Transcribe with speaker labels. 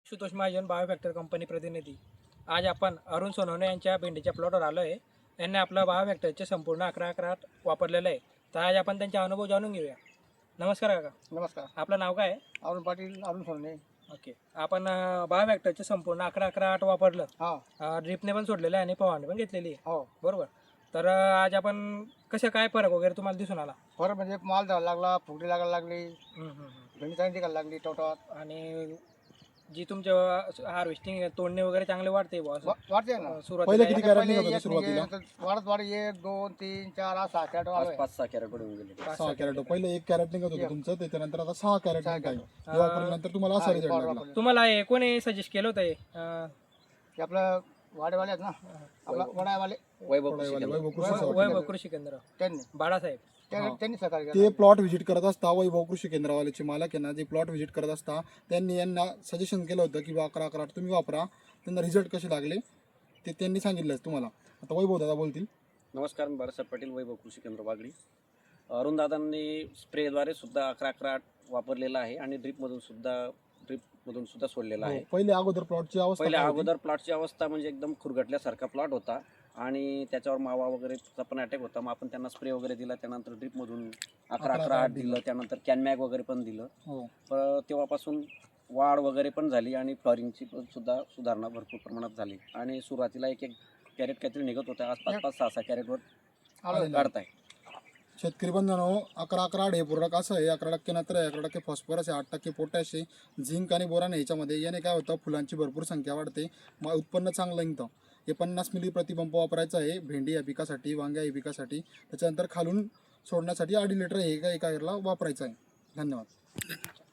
Speaker 1: Ashutosh Mahajan बायोफॅक्टर company प्रतिनिधी। आज आपण अरुण सोनवणे यांच्या भेंडीच्या प्लॉटवर आलो आहे। यांनी आपलं बायोफॅक्टरचे संपूर्ण 11-11 वापरलेलं आहे। तर आज आपण त्यांचे अनुभव जाणून घेऊया। नमस्कार काका।
Speaker 2: नमस्कार.
Speaker 1: आपलं नाव काय आहे?
Speaker 2: अरुण पाटील, अरुण सोनवणे.
Speaker 1: ओके, आपण बायोफॅक्टरचे संपूर्ण 11-11 वापरलं,
Speaker 2: हा
Speaker 1: ड्रिपने पण सोडलेलं आहे आणि फवारणी पण घेतलेली आहे,
Speaker 2: हो.
Speaker 1: बरोबर? तर आज आपण कसं काय फरक वगैरे तुम्हाला दिसून आला?
Speaker 2: बरं म्हणजे माल द्यायला लागला, फुगडी लागायला लागली,
Speaker 1: हम्म, हम्म, हम्म.
Speaker 2: भेंडी चांगली टिकायला लागली टवटात.
Speaker 1: आणि जी तुमच्या हार्वेस्टिंग तोडणे वगैरे चांगले वाढते बुवा असं?
Speaker 2: वाढते ना.
Speaker 1: सुरुवातीला
Speaker 3: किती
Speaker 2: आता
Speaker 3: कॅरेट
Speaker 2: पहिले
Speaker 3: निघत होते
Speaker 2: एक
Speaker 3: सुरुवातीला?
Speaker 2: म्हणजे वाढत वाढत 1, 2, 3, 4, 5, 6 कॅरेट आलोय.
Speaker 4: 5-6 कॅरेट पडून गेले.
Speaker 3: 6 कॅरेट. पहिले 1 कॅरेट निघत होतं तुमचं, त्याच्यानंतर आता 6 कॅरेट
Speaker 2: सहा
Speaker 3: निघत आहे.
Speaker 2: कॅरेट.
Speaker 3: हे वापरल्यानंतर तुम्हाला असा रिझल्ट लागला.
Speaker 2: वापरलं.
Speaker 1: तुम्हाला हे कोणी सजेस्ट केलं होतं हे?
Speaker 2: हे आपलं वाडेवाले आहेत ना, आपला वडावाले
Speaker 4: वैभव
Speaker 3: वैभव
Speaker 4: कृषी केंद्र.
Speaker 3: कृषी
Speaker 1: वैभव कृषी केंद्र,
Speaker 2: त्यांनी
Speaker 1: बाळासाहेब.
Speaker 2: त्यांनी सहकार्य
Speaker 3: ते
Speaker 2: केलं.
Speaker 3: प्लॉट व्हिजिट करत असता, वैभव कृषी केंद्रावाल्याचे मालक आहे ना, जे प्लॉट व्हिजिट करत असता त्यांनी यांना सजेशन केलं होतं की 11-11 तुम्ही वापरा. त्यांना रिझल्ट कसे लागले ते त्यांनी सांगितलं तुम्हाला. आता वैभव दादा बोलतील.
Speaker 4: नमस्कार, मी बाळासाहेब पाटील, वैभव कृषी केंद्र वागडी. अरुण दादांनी स्प्रेद्वारे सुद्धा 11-11 वापरलेला आहे आणि ड्रिपमधून सुद्धा सोडलेला आहे.
Speaker 3: पहिले अगोदर प्लॉटची अवस्था
Speaker 4: पहिले
Speaker 3: काय होती?
Speaker 4: अगोदर प्लॉटची अवस्था म्हणजे एकदम खुरगटल्यासारखा प्लॉट होता आणि त्याच्यावर मावा वगैरेचा पण अटॅक होता. मग आपण त्यांना स्प्रे वगैरे दिला, त्यानंतर ड्रिपमधून 11-11 दिलं, त्यानंतर कॅनमॅग वगैरे पण दिलं.
Speaker 3: हो.
Speaker 4: तेव्हापासून वाढ वगैरे पण झाली आणि फ्लॉरिंगची पण सुद्धा सुधारणा भरपूर प्रमाणात झाली. आणि सुरुवातीला 1-1 कॅरेट काहीतरी निघत होतं, आज 5-5, 6-6 कॅरेटवर
Speaker 2: आलोय.
Speaker 4: काढताय.
Speaker 3: शेतकरी बंधनो, 11-11 हे पूरक असं आहे. 11% नत्र आहे, 11% फॉस्फरस आहे, 8% पोटॅश आहे, झिंक आणि बोरान आहे याच्यामध्ये. याने काय होतं, फुलांची भरपूर संख्या वाढते, मग उत्पन्न चांगलं निघतं. हे 50 मिली प्रतिपंप वापरायचं आहे भेंडी या पिकासाठी, वांग्या या पिकासाठी. त्याच्यानंतर खालून सोडण्यासाठी 2.5 लिटर हे एका एकरला वापरायचं आहे. धन्यवाद.